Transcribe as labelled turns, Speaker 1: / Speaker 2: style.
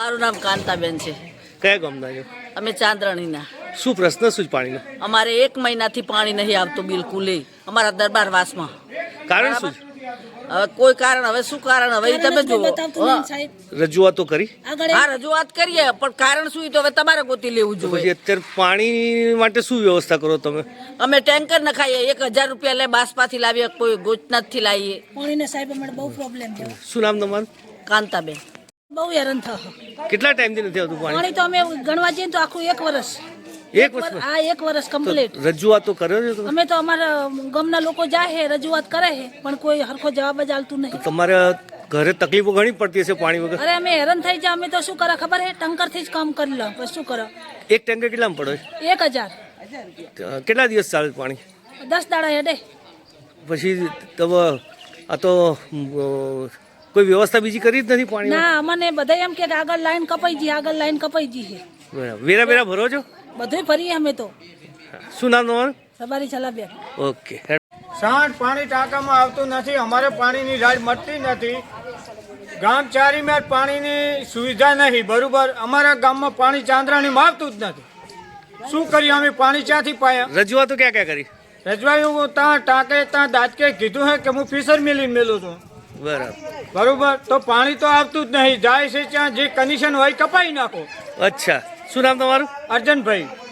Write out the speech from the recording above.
Speaker 1: મારું નામ કાંતાબેન છે.
Speaker 2: કયા ગામના છો?
Speaker 1: અમે ચાંદ્રણીના.
Speaker 2: શું પ્રશ્ન શું પાણીનો?
Speaker 1: અમારે 1 મહિનાથી પાણી નહીં આવતું બિલકુલ. અમારા દરબારવાસમાં
Speaker 2: કારણ શું?
Speaker 1: હવે કોઈ કારણ, હવે શું કારણ, હવે ઈ તમે જુઓ.
Speaker 2: રજૂઆતો કરી?
Speaker 1: હા, રજૂઆત કરીએ, પણ કારણ શું ઈ તો હવે તમારે ગોતી લેવું
Speaker 2: પછી
Speaker 1: જોઈએ.
Speaker 2: અત્યારે પાણી માટે શું વ્યવસ્થા કરો તમે?
Speaker 1: અમે ટેન્કર નખાઈએ, 1000 રૂપિયા લે બાસપાથી લાવીએ, કોઈ ગોચનાથથી લાવીએ.
Speaker 3: પાણીને સાહેબ અમારે બહુ પ્રોબ્લેમ છે.
Speaker 2: શું નામ તમારું?
Speaker 1: કાંતાબેન.
Speaker 3: બહુ હેરાન થયો.
Speaker 2: કેટલા ટાઈમથી નથી આવતું પાણી?
Speaker 3: પાણી તો અમે ગણવા જઈએ તો આખું 1 વર્ષ.
Speaker 2: 1 વર્ષ?
Speaker 3: હા, 1 વર્ષ કમ્પ્લીટ.
Speaker 2: રજૂઆતો કર્યો છે તમે?
Speaker 3: અમે તો અમારા ગામના લોકો જાય છે, રજૂઆત કરે છે, પણ કોઈ હરખો જવાબ જ આલતું નહીં.
Speaker 2: તમારે ઘરે તકલીફો ઘણી પડતી હશે પાણી વગર?
Speaker 3: અરે અમે હેરાન થઈ જાય. અમે તો શું કરે ખબર છે, ટંકર થી જ કામ કરી લો. પછી શું કરો?
Speaker 2: એક ટેન્કર કેટલામાં પડે?
Speaker 3: 1000.
Speaker 2: કેટલા દિવસ ચાલે પાણી?
Speaker 3: 10 દાડા હેડે.
Speaker 2: પછી તમે આ તો કોઈ વ્યવસ્થા બીજી કરી જ નથી પાણી?
Speaker 3: ના, અમને બધા એમ કે આગળ લાઈન કપાઈ ગઈ, આગળ લાઈન કપાઈ ગઈ છે.
Speaker 2: બરાબર. વેરા બેરા ભરો છો?
Speaker 3: બધું ફરીએ અમે તો.
Speaker 2: શું નામ તમારું?
Speaker 3: સવારી છલાબેન.
Speaker 2: ઓકે.
Speaker 4: સાંજ પાણી ટાંકામાં આવતું નથી. અમારે પાણીની રાડ મળતી નથી. ગામ ચારીમાં પાણીની સુવિધા નહીં બરોબર. અમારા ગામમાં પાણી ચાંદ્રાણીમાં આવતું જ નથી. શું કરીએ અમે? પાણી ક્યાંથી પાયા?
Speaker 2: રજૂઆતો ક્યાં ક્યાં કરી?
Speaker 4: રજવાયું ત્યાં ટાંકે ત્યાં દાંતકે કીધું હે કે હું ફિશર મિલીને મેલું છું
Speaker 2: બરાબર.
Speaker 4: બરોબર. તો પાણી તો આવતું જ નહીં. જાય છે ત્યાં જે કનેક્શન હોય કપાઈ નાખો.
Speaker 2: અચ્છા. શું નામ તમારું?
Speaker 4: અર્જનભાઈ.